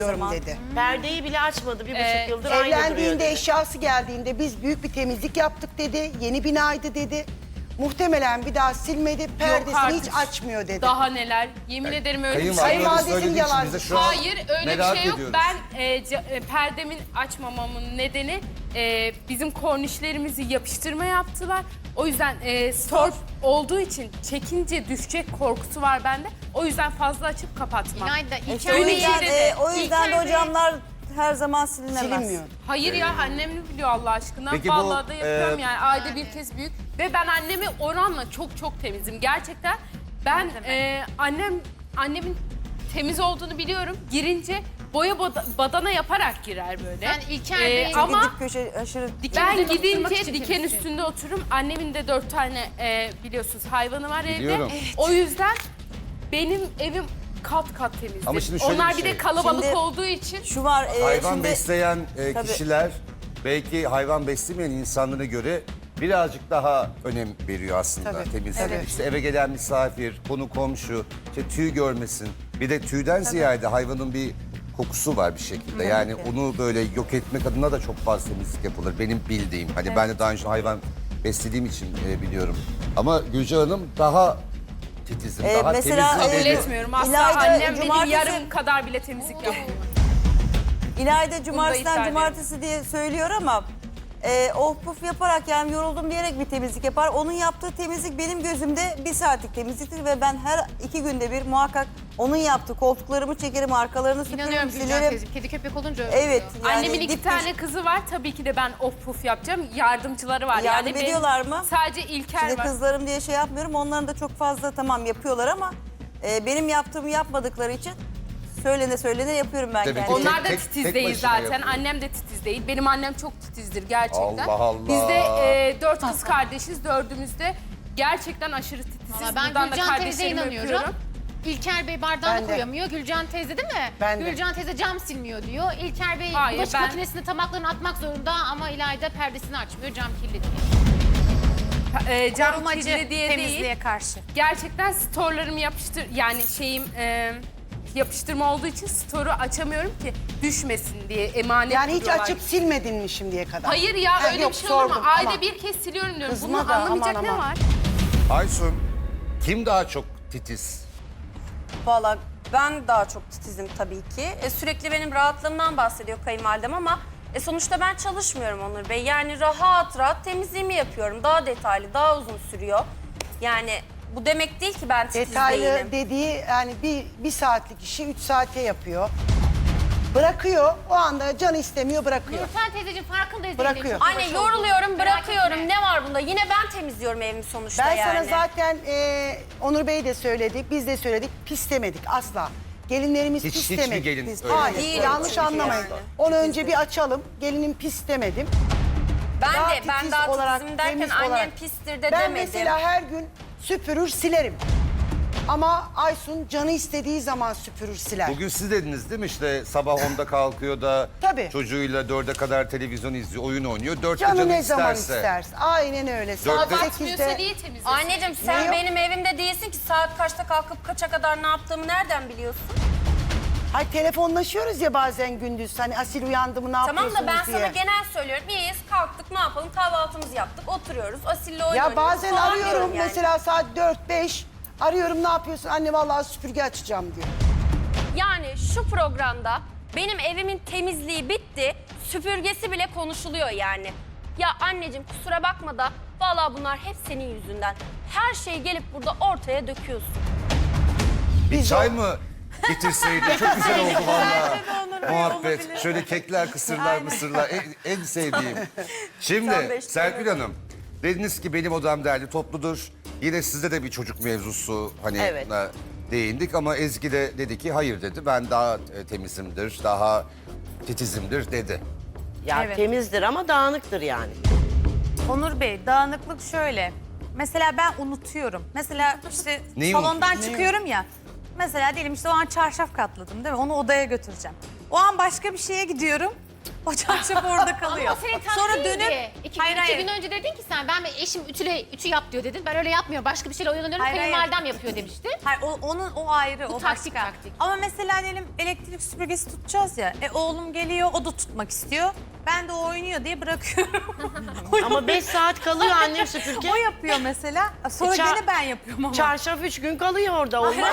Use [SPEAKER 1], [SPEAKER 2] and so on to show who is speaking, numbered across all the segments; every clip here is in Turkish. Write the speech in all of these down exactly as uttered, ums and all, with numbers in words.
[SPEAKER 1] dedi.
[SPEAKER 2] Perdeyi bile açmadı. Bir buçuk
[SPEAKER 3] Ee,
[SPEAKER 2] yıldır aynı duruyor
[SPEAKER 1] Evlendiğinde,
[SPEAKER 2] dedi.
[SPEAKER 1] eşyası geldiğinde biz büyük bir temizlik yaptık dedi. Yeni binaydı dedi. Muhtemelen bir daha silmedi, perdesini
[SPEAKER 3] artık.
[SPEAKER 1] hiç açmıyor dedi.
[SPEAKER 3] Daha neler? Yemin ederim öyle bir şey
[SPEAKER 1] Kayınvalidesi
[SPEAKER 3] yok.
[SPEAKER 1] Kayınvalidesinin
[SPEAKER 4] söylediği için
[SPEAKER 1] yalan-
[SPEAKER 4] bize şu an
[SPEAKER 3] Hayır öyle bir
[SPEAKER 4] merak
[SPEAKER 3] şey yok.
[SPEAKER 4] ediyoruz.
[SPEAKER 3] Ben e, ca- e, perdemin açmamamın nedeni e, bizim kornişlerimizi yapıştırma yaptılar. O yüzden e, torp olduğu için çekince düşecek korkusu var bende. O yüzden fazla açıp kapatmam.
[SPEAKER 5] İlayda,
[SPEAKER 6] İşte
[SPEAKER 5] İlker
[SPEAKER 6] o
[SPEAKER 3] Öyle
[SPEAKER 5] Bey,
[SPEAKER 6] yüzden,
[SPEAKER 3] iyi
[SPEAKER 6] e,
[SPEAKER 3] dedi.
[SPEAKER 6] o yüzden
[SPEAKER 3] İlker
[SPEAKER 6] de o
[SPEAKER 3] Bey-
[SPEAKER 6] camlar her zaman silinemez.
[SPEAKER 1] Silinmiyor.
[SPEAKER 3] Hayır ya annem mi biliyor Allah aşkına?
[SPEAKER 4] Peki bu,
[SPEAKER 3] Vallahi da yapıyorum
[SPEAKER 4] e,
[SPEAKER 3] yani ayda bir kez büyük. Ve ben annemi oranla çok çok temizim. Gerçekten ben e, annem annemin temiz olduğunu biliyorum. Girince boya bada- badana yaparak girer böyle.
[SPEAKER 5] Sen İlker
[SPEAKER 3] E,
[SPEAKER 5] Bey'in-
[SPEAKER 3] ama
[SPEAKER 6] Dip köşe aşırı...
[SPEAKER 3] ben
[SPEAKER 5] üzerine oturmak
[SPEAKER 3] gidince
[SPEAKER 5] için
[SPEAKER 3] diken
[SPEAKER 5] temizsin.
[SPEAKER 3] üstünde otururum. Annemin de dört tane e, biliyorsunuz hayvanı var
[SPEAKER 4] Biliyorum.
[SPEAKER 3] evde. O yüzden benim evim kat kat temizdir.
[SPEAKER 4] Ama şimdi şöyle
[SPEAKER 3] Onlar
[SPEAKER 4] bir
[SPEAKER 3] bir
[SPEAKER 4] şey.
[SPEAKER 3] de kalabalık
[SPEAKER 6] Şimdi-
[SPEAKER 3] olduğu için
[SPEAKER 6] Şu var, e,
[SPEAKER 4] Hayvan
[SPEAKER 6] şimdi...
[SPEAKER 4] besleyen e,
[SPEAKER 6] Tabii.
[SPEAKER 4] kişiler belki hayvan beslemeyen insanlara göre birazcık daha önem veriyor aslında
[SPEAKER 1] Tabii.
[SPEAKER 4] temizliğe.
[SPEAKER 1] Evet.
[SPEAKER 4] İşte eve gelen misafir, konu komşu, işte tüy görmesin. Bir de tüyden ziyade hayvanın bir kokusu var bir şekilde. Yani onu böyle yok etmek adına da çok fazla temizlik yapılır. Benim bildiğim. Hani ben de daha önce hayvan beslediğim için e, biliyorum. Ama Gülce Hanım daha titizim,
[SPEAKER 6] Ee,
[SPEAKER 4] daha
[SPEAKER 6] mesela,
[SPEAKER 4] temizliğe
[SPEAKER 3] kabul
[SPEAKER 6] e,
[SPEAKER 4] deli.
[SPEAKER 3] etmiyorum. Asla
[SPEAKER 6] İlayda
[SPEAKER 3] annem benim
[SPEAKER 6] cumartesi-
[SPEAKER 3] yarım kadar bile temizlik yapmıyor.
[SPEAKER 6] İlayda cumartesiden
[SPEAKER 3] iptal
[SPEAKER 6] cumartesi diye söylüyor ama... E, oh puf yaparak yani yoruldum diyerek bir temizlik yapar. Onun yaptığı temizlik benim gözümde bir saatlik temizliktir ve ben her iki günde bir muhakkak onun yaptığı koltuklarımı çekerim, arkalarını süpürürüm,
[SPEAKER 5] İnanıyorum Gülcan
[SPEAKER 6] silerim.
[SPEAKER 5] teyzeciğim. Kedi köpek olunca öyle
[SPEAKER 6] Evet.
[SPEAKER 5] oluyor.
[SPEAKER 6] Yani
[SPEAKER 3] Annemin iki
[SPEAKER 6] dip
[SPEAKER 3] tane
[SPEAKER 6] köşe-
[SPEAKER 3] kızı var. Tabii ki de ben of puf yapacağım. Yardımcıları var.
[SPEAKER 6] Yardım
[SPEAKER 3] yani benim
[SPEAKER 6] ediyorlar mı?
[SPEAKER 3] Sadece İlker
[SPEAKER 6] Şimdi
[SPEAKER 3] var.
[SPEAKER 6] kızlarım diye şey yapmıyorum. Onların da çok fazla tamam yapıyorlar ama e, benim yaptığımı yapmadıkları için söylene söylene yapıyorum ben
[SPEAKER 4] Tabii ki.
[SPEAKER 6] kendim.
[SPEAKER 3] Onlar da
[SPEAKER 4] Tek-
[SPEAKER 3] titiz
[SPEAKER 4] tek
[SPEAKER 3] değil
[SPEAKER 4] başına
[SPEAKER 3] zaten.
[SPEAKER 4] yapıyor.
[SPEAKER 3] Annem de titiz değil. Benim annem çok titizdir gerçekten.
[SPEAKER 4] Allah Allah.
[SPEAKER 3] Biz de e, dört kız kardeşiz. Dördümüz de gerçekten aşırı titiziz.
[SPEAKER 5] Valla ben
[SPEAKER 3] Buradan da
[SPEAKER 5] Gülcan teyzeye
[SPEAKER 3] kardeşlerime
[SPEAKER 5] inanıyorum.
[SPEAKER 3] öpüyorum.
[SPEAKER 5] İlker Bey bardağını
[SPEAKER 1] Ben de.
[SPEAKER 5] koyamıyor. Gülcan teyze değil mi?
[SPEAKER 1] Ben de.
[SPEAKER 5] Gülcan teyze cam silmiyor diyor. İlker Bey
[SPEAKER 3] Hayır,
[SPEAKER 5] bulaşık
[SPEAKER 3] ben-
[SPEAKER 5] makinesine tabaklarını atmak zorunda ama İlayda perdesini açmıyor. Cam kirli diyor.
[SPEAKER 3] E, cam
[SPEAKER 5] Korumacı
[SPEAKER 3] kirli diye
[SPEAKER 5] temizliğe
[SPEAKER 3] değil.
[SPEAKER 5] karşı.
[SPEAKER 3] Gerçekten storelarımı yapıştır... Yani şeyim... E, yapıştırma olduğu için store'u açamıyorum ki düşmesin diye emanet
[SPEAKER 1] Yani hiç
[SPEAKER 3] duruyorlar.
[SPEAKER 1] açıp silmedin mi şimdiye kadar?
[SPEAKER 3] Hayır ya
[SPEAKER 1] Ha,
[SPEAKER 3] öyle
[SPEAKER 1] yok,
[SPEAKER 3] bir şey olur mu?
[SPEAKER 1] sordum,
[SPEAKER 3] Ayda
[SPEAKER 1] aman.
[SPEAKER 3] bir kez siliyorum diyorum.
[SPEAKER 1] Kızma
[SPEAKER 3] Bunu
[SPEAKER 1] da,
[SPEAKER 3] anlamayacak
[SPEAKER 1] aman,
[SPEAKER 3] ne
[SPEAKER 1] aman.
[SPEAKER 3] var?
[SPEAKER 4] Aysun, kim daha çok titiz?
[SPEAKER 7] Valla ben daha çok titizim tabii ki. E, sürekli benim rahatlığımdan bahsediyor kayınvalidem ama e, sonuçta ben çalışmıyorum Onur Bey. Yani rahat rahat temizliğimi yapıyorum. Daha detaylı, daha uzun sürüyor. Yani bu demek değil ki ben titiz
[SPEAKER 1] Detaylı
[SPEAKER 7] değilim.
[SPEAKER 1] dediği yani bir, bir saatlik işi üç saate yapıyor. Bırakıyor, o anda canı istemiyor bırakıyor.
[SPEAKER 5] Nurten teyzeciğim farkındayız.
[SPEAKER 1] Bırakıyor.
[SPEAKER 5] Zeynep, çok
[SPEAKER 7] Anne
[SPEAKER 5] uğraş
[SPEAKER 7] yoruluyorum,
[SPEAKER 5] olduğunu. Merak
[SPEAKER 7] bırakıyorum.
[SPEAKER 5] etme.
[SPEAKER 7] Ne var bunda? Yine ben temizliyorum evimi sonuçta
[SPEAKER 1] Ben
[SPEAKER 7] yani.
[SPEAKER 1] sana zaten e, Onur Bey de söyledi, biz de söyledik, pis demedik asla. Gelinlerimiz
[SPEAKER 4] Hiç-
[SPEAKER 1] pis
[SPEAKER 4] hiçbir
[SPEAKER 1] demedik.
[SPEAKER 4] gelin
[SPEAKER 1] Biz-
[SPEAKER 4] öyle
[SPEAKER 1] Hayır,
[SPEAKER 7] değil.
[SPEAKER 1] yanlış
[SPEAKER 7] Çünkü
[SPEAKER 1] anlamayın.
[SPEAKER 7] yani.
[SPEAKER 1] Onu önce bir açalım, gelinin pis demedim.
[SPEAKER 7] Ben
[SPEAKER 1] Daha
[SPEAKER 7] de ben
[SPEAKER 1] titiz
[SPEAKER 7] daha
[SPEAKER 1] olarak,
[SPEAKER 7] titizim derken
[SPEAKER 1] temiz
[SPEAKER 7] annem
[SPEAKER 1] olarak.
[SPEAKER 7] pistir de
[SPEAKER 1] Ben
[SPEAKER 7] demedim.
[SPEAKER 1] mesela her gün süpürür, silerim. Ama Aysun canı istediği zaman süpürür, siler.
[SPEAKER 4] Bugün siz dediniz değil mi işte sabah onda kalkıyor da
[SPEAKER 1] Tabii.
[SPEAKER 4] çocuğuyla dörde kadar televizyon izliyor, oyun oynuyor. Dörtte
[SPEAKER 1] Canı
[SPEAKER 4] canı,
[SPEAKER 1] ne zaman
[SPEAKER 4] isterse.
[SPEAKER 1] isterse. Aynen öyle. Saat
[SPEAKER 4] Dörtte-
[SPEAKER 3] Batmıyorsa
[SPEAKER 1] sekizde
[SPEAKER 3] niye temizlesin?
[SPEAKER 7] Anneciğim sen
[SPEAKER 1] Ne yok?
[SPEAKER 7] benim evimde değilsin ki saat kaçta kalkıp kaça kadar ne yaptığımı nereden biliyorsun?
[SPEAKER 1] Hay telefonlaşıyoruz ya bazen gündüz. Hani Asil uyandı mı ne
[SPEAKER 7] Tamam
[SPEAKER 1] yapıyorsunuz
[SPEAKER 7] da ben
[SPEAKER 1] diye.
[SPEAKER 7] sana genel söylüyorum. İyiyiz, kalktık, ne yapalım? Kahvaltımızı yaptık, oturuyoruz. Asil'le oyun
[SPEAKER 1] Ya
[SPEAKER 7] oynuyoruz
[SPEAKER 1] bazen
[SPEAKER 7] falan
[SPEAKER 1] arıyorum
[SPEAKER 7] diyorum yani.
[SPEAKER 1] mesela saat dört beş. Arıyorum ne yapıyorsun? Anne vallahi süpürge açacağım diyor.
[SPEAKER 7] Yani şu programda benim evimin temizliği bitti, süpürgesi bile konuşuluyor yani. Ya anneciğim kusura bakma da vallahi bunlar hep senin yüzünden. Her şeyi gelip burada ortaya döküyorsun.
[SPEAKER 4] Bir çay mı getirseydi çok güzel oldu vallahi. Muhabbet. Şöyle kekler, kısırlar, mısırlar en, en sevdiğim. Şimdi Serpil Hanım dediniz ki benim odam derli topludur. Yine sizde de bir çocuk mevzusu hani
[SPEAKER 2] Evet.
[SPEAKER 4] na- değindik ama Ezgi de dedi ki hayır dedi. Ben daha e, temizimdir, daha titizimdir dedi.
[SPEAKER 2] Ya
[SPEAKER 8] Evet.
[SPEAKER 2] temizdir ama dağınıktır yani.
[SPEAKER 8] Onur Bey, dağınıklık şöyle. Mesela ben unutuyorum. Mesela işte
[SPEAKER 4] Neyi
[SPEAKER 8] salondan
[SPEAKER 4] unutuyorsun?
[SPEAKER 8] çıkıyorum ya. Mesela diyelim işte o an çarşaf katladım değil mi? Onu odaya götüreceğim. O an başka bir şeye gidiyorum. O çarşaf orada kalıyor.
[SPEAKER 5] Ama o senin
[SPEAKER 8] Sonra
[SPEAKER 5] taktiğindi.
[SPEAKER 8] dönüp...
[SPEAKER 5] İki,
[SPEAKER 8] Hayır,
[SPEAKER 5] iki
[SPEAKER 8] hayır.
[SPEAKER 5] gün önce dedin ki sen ben eşim ütüle ütü yap diyor dedin. Ben öyle yapmıyorum. Başka bir şeyle oyalanıyorum.
[SPEAKER 8] Hayır, hayır.
[SPEAKER 5] Kayınvalidem yapıyor demiştin.
[SPEAKER 8] Hayır, o, onun o ayrı,
[SPEAKER 5] Bu
[SPEAKER 8] o
[SPEAKER 5] taktik,
[SPEAKER 8] başka.
[SPEAKER 5] taktik.
[SPEAKER 8] Ama mesela diyelim elektrik süpürgesi tutacağız ya. E oğlum geliyor, o da tutmak istiyor. Ben de o oynuyor diye bırakıyorum.
[SPEAKER 2] Ama beş saat kalıyor annem süpürge.
[SPEAKER 8] O yapıyor mesela. Sonra
[SPEAKER 2] E, ça-
[SPEAKER 8] gene ben yapıyorum ama.
[SPEAKER 2] Çarşaf üç gün kalıyor orada olmaz.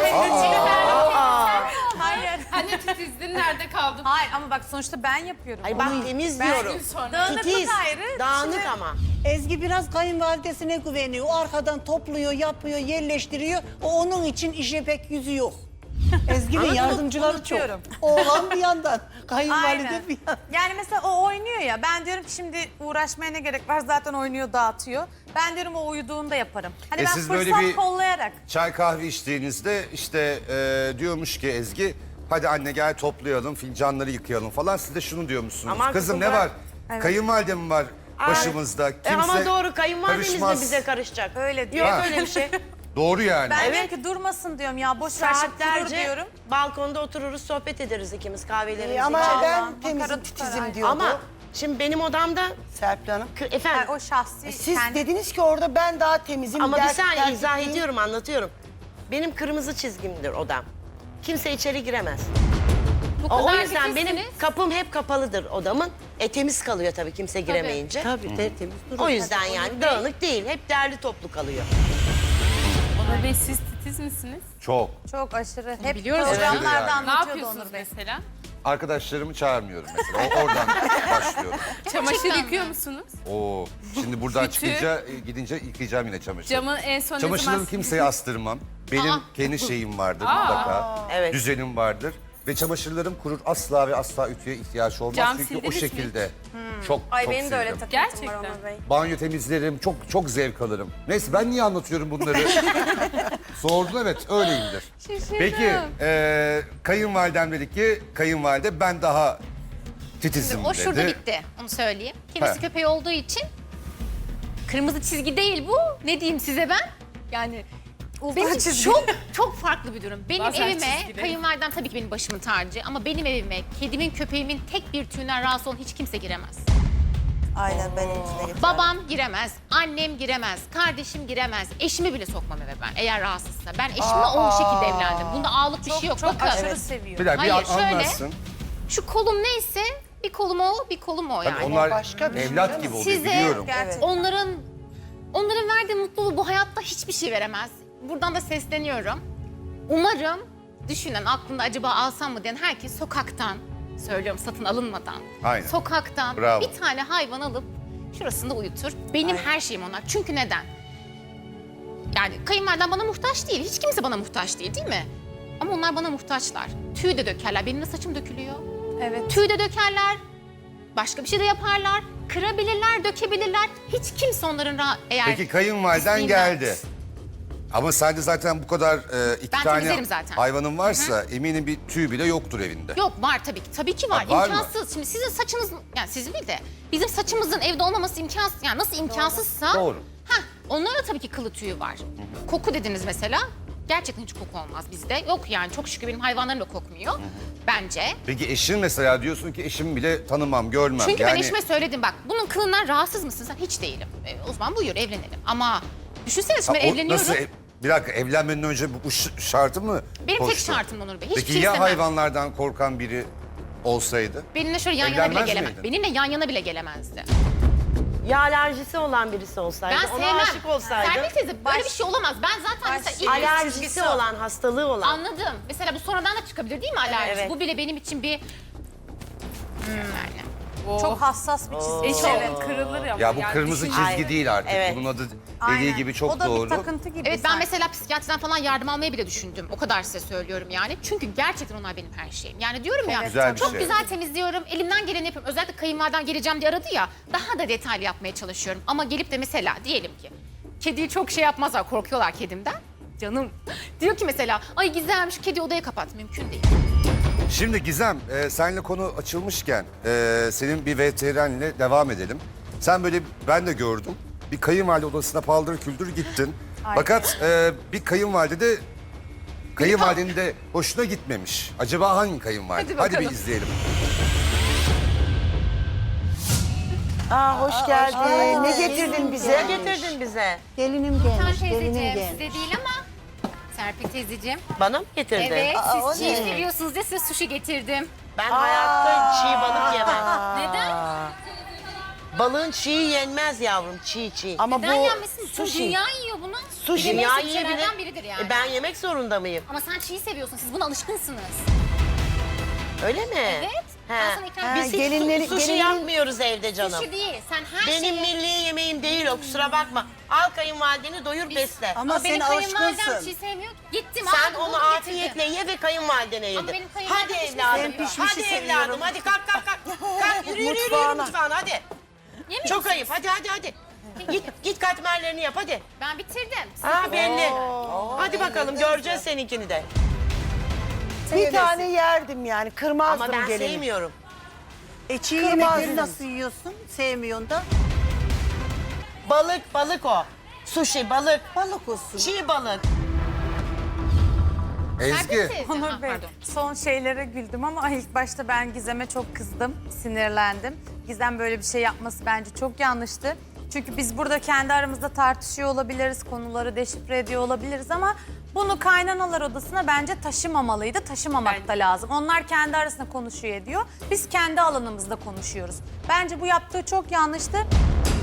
[SPEAKER 8] Hayır.
[SPEAKER 3] Hani titizdin nerede kaldın?
[SPEAKER 8] Hayır ama bak sonuçta ben yapıyorum.
[SPEAKER 2] Ay bak temiz
[SPEAKER 8] Ben-
[SPEAKER 2] diyorum.
[SPEAKER 3] Gün sonra.
[SPEAKER 8] Dağınıklık
[SPEAKER 2] Titiz,
[SPEAKER 8] ayrı.
[SPEAKER 2] dağınık
[SPEAKER 8] Şimdi-
[SPEAKER 2] ama.
[SPEAKER 1] Ezgi biraz kayınvalidesine güveniyor. O arkadan topluyor, yapıyor, yerleştiriyor. O onun için işe pek yüzü yok. Ezgi ve
[SPEAKER 2] Ama
[SPEAKER 1] yardımcıları çok.
[SPEAKER 8] unutuyorum.
[SPEAKER 1] Oğlan bir yandan, kayınvalide
[SPEAKER 8] Aynen.
[SPEAKER 1] bir yandan.
[SPEAKER 8] Yani mesela o oynuyor ya, ben diyorum ki şimdi uğraşmaya ne gerek var, zaten oynuyor, dağıtıyor. Ben diyorum o uyuduğunda yaparım. Hani
[SPEAKER 4] E
[SPEAKER 8] ben
[SPEAKER 4] siz
[SPEAKER 8] fırsat
[SPEAKER 4] böyle bir-
[SPEAKER 8] kollayarak.
[SPEAKER 4] Çay kahve içtiğinizde işte e, diyormuş ki Ezgi, hadi anne gel toplayalım, fincanları yıkayalım falan. Siz de şunu diyormuşsunuz.
[SPEAKER 2] Aman
[SPEAKER 4] Kızım
[SPEAKER 2] kızım
[SPEAKER 4] ne
[SPEAKER 2] ben-
[SPEAKER 4] var? Kayınvalide mi var başımızda?
[SPEAKER 2] E
[SPEAKER 4] Kimse
[SPEAKER 2] ama doğru kayınvalidemiz de
[SPEAKER 4] karışmaz.
[SPEAKER 2] bize karışacak.
[SPEAKER 8] Öyle diyor.
[SPEAKER 2] Yok
[SPEAKER 4] Ha.
[SPEAKER 2] öyle bir şey.
[SPEAKER 4] Doğru yani.
[SPEAKER 8] Ben
[SPEAKER 2] Evet.
[SPEAKER 8] diyorum ki durmasın diyorum ya, boş ver şimdi durur
[SPEAKER 2] Saatlerce
[SPEAKER 8] diyorum.
[SPEAKER 2] balkonda otururuz, sohbet ederiz ikimiz kahvelerimizi
[SPEAKER 1] Ee, ama
[SPEAKER 2] içeriz.
[SPEAKER 1] ben
[SPEAKER 8] makara
[SPEAKER 1] temizim,
[SPEAKER 8] tutar,
[SPEAKER 1] titizim
[SPEAKER 8] aynen.
[SPEAKER 1] diyordu.
[SPEAKER 2] Ama şimdi benim odamda
[SPEAKER 1] Serpil Hanım.
[SPEAKER 2] K- efendim
[SPEAKER 8] Yani o şahsi
[SPEAKER 1] E, Siz
[SPEAKER 8] kendi-
[SPEAKER 1] dediniz ki orada ben daha temizim.
[SPEAKER 2] ama bir
[SPEAKER 1] dert-
[SPEAKER 2] saniye
[SPEAKER 1] dert
[SPEAKER 2] izah
[SPEAKER 1] ettiğim-
[SPEAKER 2] ediyorum, anlatıyorum. Benim kırmızı çizgimdir odam. Kimse içeri giremez.
[SPEAKER 5] Bu
[SPEAKER 2] O, o
[SPEAKER 5] kadar
[SPEAKER 2] yüzden benim
[SPEAKER 5] titizsiniz.
[SPEAKER 2] kapım hep kapalıdır odamın. E temiz kalıyor tabii kimse giremeyince.
[SPEAKER 1] Tabii tertemiz durur.
[SPEAKER 2] O yüzden yani dağınık değil. Hep derli toplu kalıyor.
[SPEAKER 3] Onur Bey siz titiz misiniz?
[SPEAKER 4] Çok.
[SPEAKER 8] Çok aşırı. Hep
[SPEAKER 3] biliyoruz
[SPEAKER 8] programlarda
[SPEAKER 4] yani.
[SPEAKER 3] Ne
[SPEAKER 8] anlatıyordu
[SPEAKER 3] yapıyorsunuz
[SPEAKER 8] Onur Bey.
[SPEAKER 3] mesela?
[SPEAKER 4] Arkadaşlarımı çağırmıyorum mesela. O, oradan başlıyorum.
[SPEAKER 3] Çamaşır yıkıyor musunuz?
[SPEAKER 4] Oo. Şimdi buradan
[SPEAKER 3] Ütü.
[SPEAKER 4] çıkınca e, gidince yıkayacağım yine çamaşır.
[SPEAKER 3] Camı en son ne zaman
[SPEAKER 4] Çamaşırlarımı kimseye astırmam. Benim
[SPEAKER 5] Aa.
[SPEAKER 4] kendi şeyim vardır mutlaka.
[SPEAKER 2] Evet.
[SPEAKER 4] Düzenim vardır. Ve çamaşırlarım kurur. Asla ve asla ütüye ihtiyaç olmaz.
[SPEAKER 3] Cam
[SPEAKER 4] Çünkü o
[SPEAKER 3] sildiniz mi
[SPEAKER 4] şekilde çok
[SPEAKER 7] Ay
[SPEAKER 4] çok
[SPEAKER 7] benim de öyle
[SPEAKER 4] sildim.
[SPEAKER 7] takıntım var
[SPEAKER 3] Gerçekten.
[SPEAKER 7] Onur Bey.
[SPEAKER 4] Banyo temizlerim. Çok çok zevk alırım. Neyse ben niye anlatıyorum bunları? Sordun, evet öyleyimdir. Peki e, kayınvalidem dedi ki kayınvalide ben daha titizim
[SPEAKER 5] O
[SPEAKER 4] dedi.
[SPEAKER 5] şurada bitti. Onu söyleyeyim. Kedisi
[SPEAKER 4] He.
[SPEAKER 5] köpeği olduğu için kırmızı çizgi değil bu. Ne diyeyim size ben? Yani benim için
[SPEAKER 8] çizgi.
[SPEAKER 5] çok çok farklı bir durum. Benim
[SPEAKER 3] Bazen
[SPEAKER 5] evime,
[SPEAKER 3] çizgileri.
[SPEAKER 5] kayınvalidem tabii ki benim başımın tacı ama benim evime kedimin, köpeğimin tek bir tüyünden rahatsız olan hiç kimse giremez.
[SPEAKER 6] Aynen benim içine geçer.
[SPEAKER 5] Babam giremez, annem giremez, kardeşim giremez, eşimi bile sokmam eve ben eğer rahatsızsa. Ben eşimle o şekilde evlendim. Bunda ağlık bir şey yok.
[SPEAKER 8] Çok
[SPEAKER 5] Bakın.
[SPEAKER 8] aşırı seviyor.
[SPEAKER 4] Bir dakika bir
[SPEAKER 5] Hayır,
[SPEAKER 4] an-
[SPEAKER 5] şöyle.
[SPEAKER 4] anlatsın.
[SPEAKER 5] Şu kolum neyse bir kolum o, bir kolum o
[SPEAKER 4] Tabii
[SPEAKER 5] yani.
[SPEAKER 4] onlar
[SPEAKER 1] başka bir şey
[SPEAKER 4] evlat
[SPEAKER 1] canım.
[SPEAKER 4] gibi oluyor
[SPEAKER 5] Size-
[SPEAKER 4] biliyorum.
[SPEAKER 8] Gerçekten.
[SPEAKER 5] Onların onların verdiği mutluluğu bu hayatta hiçbir şey veremez. Buradan da sesleniyorum. Umarım düşünen, aklında acaba alsam mı diyen herkes sokaktan, söylüyorum satın alınmadan,
[SPEAKER 4] Aynen.
[SPEAKER 5] sokaktan
[SPEAKER 4] Bravo.
[SPEAKER 5] bir tane hayvan alıp şurasında uyutur. Benim her şeyim onlar. Çünkü neden? Yani kayınvalidem bana muhtaç değil. Hiç kimse bana muhtaç değil, değil mi? Ama onlar bana muhtaçlar. Tüy de dökerler. Benim de saçım dökülüyor.
[SPEAKER 8] Evet.
[SPEAKER 5] Tüy de dökerler. Başka bir şey de yaparlar. Kırabilirler, dökebilirler. Hiç kimse onların ra- eğer...
[SPEAKER 4] Peki kayınvaliden
[SPEAKER 5] pisliğinden-
[SPEAKER 4] geldi. Ama sende zaten bu kadar e, iki
[SPEAKER 5] Ben
[SPEAKER 4] tane
[SPEAKER 5] temizlerim zaten.
[SPEAKER 4] hayvanın varsa eminim bir tüy bile yoktur evinde.
[SPEAKER 5] Yok var tabii ki. Tabii ki var.
[SPEAKER 4] Ha, var mı?
[SPEAKER 5] İmkansız. Şimdi sizin saçınız, yani sizin değil de bizim saçımızın evde olmaması imkansız. Yani nasıl imkansızsa...
[SPEAKER 4] Doğru.
[SPEAKER 5] Heh, onların da tabii ki kılı tüyü var. Koku dediniz mesela. Gerçekten hiç koku olmaz bizde. Yok yani çok şükür benim hayvanlarım da kokmuyor. Bence.
[SPEAKER 4] Peki eşin mesela diyorsun ki eşimi bile tanımam, görmem.
[SPEAKER 5] Çünkü
[SPEAKER 4] yani,
[SPEAKER 5] ben eşime söyledim bak bunun kılından rahatsız mısın sen? Hiç değilim. E, o zaman buyur evlenelim. Ama düşünsene şimdi
[SPEAKER 4] Ha,
[SPEAKER 5] ben
[SPEAKER 4] o
[SPEAKER 5] evleniyorum.
[SPEAKER 4] Nasıl, ev- bir dakika evlenmeden önce bu, bu ş- şartı mı
[SPEAKER 5] Benim tek
[SPEAKER 4] koştu?
[SPEAKER 5] şartım Onur Bey. Hiçbir
[SPEAKER 4] Peki
[SPEAKER 5] şey
[SPEAKER 4] ya
[SPEAKER 5] istemem.
[SPEAKER 4] hayvanlardan korkan biri olsaydı?
[SPEAKER 5] Benimle şöyle yan yana bile
[SPEAKER 4] Evlenmez
[SPEAKER 5] gelemez.
[SPEAKER 4] miydin?
[SPEAKER 5] Benimle yan yana bile gelemezdi.
[SPEAKER 2] Ya alerjisi olan birisi olsaydı,
[SPEAKER 5] Ben
[SPEAKER 2] ona
[SPEAKER 5] sevmem.
[SPEAKER 2] aşık olsaydı.
[SPEAKER 5] Serpil teyze böyle bir şey olamaz. Ben zaten mesela ilk
[SPEAKER 2] Alerjisi olan, hastalığı olan.
[SPEAKER 5] anladım. Mesela bu sonradan da çıkabilir değil mi alerji?
[SPEAKER 2] Evet.
[SPEAKER 5] Bu bile benim için bir... Hmm, yani.
[SPEAKER 8] Çok hassas bir çizgi.
[SPEAKER 3] Eşeğin kırılır ama.
[SPEAKER 4] Ya bu
[SPEAKER 3] yani
[SPEAKER 4] kırmızı
[SPEAKER 3] düşün-
[SPEAKER 4] çizgi değil artık.
[SPEAKER 2] Evet.
[SPEAKER 4] Bunun adı dediği
[SPEAKER 8] Aynen.
[SPEAKER 4] gibi çok
[SPEAKER 8] o da
[SPEAKER 4] doğru.
[SPEAKER 8] bir takıntı gibi.
[SPEAKER 5] Evet ben
[SPEAKER 8] sanki.
[SPEAKER 5] mesela psikiyatriden falan yardım almayı bile düşündüm. O kadar size söylüyorum yani. Çünkü gerçekten onlar benim her şeyim. Yani diyorum ya
[SPEAKER 4] Güzel bir
[SPEAKER 5] çok
[SPEAKER 4] şey.
[SPEAKER 5] güzel temizliyorum. Elimden geleni yapıyorum. Özellikle kayınvaliden geleceğim diye aradı ya. Daha da detaylı yapmaya çalışıyorum. Ama gelip de mesela diyelim ki kediyi çok şey yapmazlar. Korkuyorlar kedimden. Canım. Diyor ki mesela ay Gizem şu kedi odaya kapat. Mümkün değil.
[SPEAKER 4] Şimdi Gizem, e, seninle konu açılmışken e, senin bir veterinerle devam edelim. Sen böyle, ben de gördüm, bir kayınvalide odasına paldır küldür gittin. Fakat e, bir kayınvalide de, kayınvalidenin de hoşuna gitmemiş. Acaba hangi kayınvalide?
[SPEAKER 5] Hadi
[SPEAKER 4] Hadi bir
[SPEAKER 5] bakalım.
[SPEAKER 4] izleyelim.
[SPEAKER 2] Aa hoş geldin.
[SPEAKER 1] geldin.
[SPEAKER 2] Ne getirdin bize? Ne getirdin bize?
[SPEAKER 1] Gelinim
[SPEAKER 5] Sen
[SPEAKER 1] gelmiş, gelinim
[SPEAKER 5] teyzeciğim
[SPEAKER 1] gelmiş.
[SPEAKER 5] size değil ama Serpil teyzeciğim.
[SPEAKER 2] Bana mı getirdin?
[SPEAKER 5] Evet
[SPEAKER 6] Aa, o
[SPEAKER 5] siz çiğ
[SPEAKER 6] ne?
[SPEAKER 5] seviyorsunuz diye size sushi getirdim.
[SPEAKER 2] Ben hayatta çiğ balık yemem.
[SPEAKER 5] Neden?
[SPEAKER 2] Balığın çiğ yenmez yavrum, çiğ çiğ. Ama
[SPEAKER 5] Neden yenmesin? Tüm
[SPEAKER 2] sushi.
[SPEAKER 5] dünya yiyor bunu.
[SPEAKER 2] Sushi
[SPEAKER 5] Yemek
[SPEAKER 2] dünya
[SPEAKER 5] seçeneklerden
[SPEAKER 2] yiyebilir.
[SPEAKER 5] biridir yani.
[SPEAKER 2] E, ben yemek zorunda mıyım?
[SPEAKER 5] Ama sen çiğ seviyorsun. Siz buna alışkınsınız.
[SPEAKER 2] Öyle mi?
[SPEAKER 5] Evet.
[SPEAKER 2] He.
[SPEAKER 5] Ben sana ikram
[SPEAKER 2] Biz hiç
[SPEAKER 6] gelinleri-
[SPEAKER 2] su- sushi
[SPEAKER 6] gelinlerin-
[SPEAKER 2] yapmıyoruz evde canım.
[SPEAKER 5] Sushi değil. Sen her
[SPEAKER 2] Benim
[SPEAKER 5] şeyi...
[SPEAKER 2] milli yemeğim değil o, kusura bakma. Al kayınvalideni doyur besle.
[SPEAKER 1] Ama
[SPEAKER 5] Ama benim
[SPEAKER 1] sen
[SPEAKER 5] kayınvalidem
[SPEAKER 1] alışkınsın.
[SPEAKER 5] çiğ sevmiyor. Gittim
[SPEAKER 2] Sen
[SPEAKER 5] aldım,
[SPEAKER 2] onu
[SPEAKER 5] buldum,
[SPEAKER 2] afiyetle
[SPEAKER 5] getirdim.
[SPEAKER 2] ye ve kayınvalidene yedir.
[SPEAKER 5] benim kayınvalidem
[SPEAKER 2] Hadi
[SPEAKER 5] pişmiş
[SPEAKER 2] evladım.
[SPEAKER 5] seviyor. Ben
[SPEAKER 1] pişmişi
[SPEAKER 2] Hadi
[SPEAKER 1] seviyorum.
[SPEAKER 2] evladım. Hadi kalk kalk kalk. Kalk yürü yürü yürü, yürü
[SPEAKER 6] Mutfağına.
[SPEAKER 2] mutfağına hadi.
[SPEAKER 5] Yemiyor
[SPEAKER 2] Çok
[SPEAKER 5] musunuz?
[SPEAKER 2] ayıp. Hadi hadi hadi. Git git katmerlerini yap hadi.
[SPEAKER 5] Ben bitirdim. Siz
[SPEAKER 2] Ha belli. Hadi bakalım göreceğiz seninkini de.
[SPEAKER 9] Bir tane yerdim yani, kırmazdım
[SPEAKER 2] Ama ben
[SPEAKER 9] gelini.
[SPEAKER 2] sevmiyorum.
[SPEAKER 1] E çiğ
[SPEAKER 9] Kırmızı.
[SPEAKER 1] yemekleri nasıl yiyorsun? Sevmiyorsun da.
[SPEAKER 2] Balık balık o. Sushi balık.
[SPEAKER 1] Balık olsun.
[SPEAKER 2] Çiğ balık.
[SPEAKER 4] Ezgi.
[SPEAKER 5] teyze.
[SPEAKER 8] Onur
[SPEAKER 5] Ha,
[SPEAKER 8] Bey,
[SPEAKER 5] pardon.
[SPEAKER 8] son şeylere güldüm ama ilk başta ben Gizem'e çok kızdım, sinirlendim. Gizem böyle bir şey yapması bence çok yanlıştı. Çünkü biz burada kendi aramızda tartışıyor olabiliriz, konuları deşifre ediyor olabiliriz ama bunu kaynanalar odasına bence taşımamalıydı, taşımamak da lazım. Onlar kendi arasında konuşuyor ediyor, biz kendi alanımızda konuşuyoruz. Bence bu yaptığı çok yanlıştı.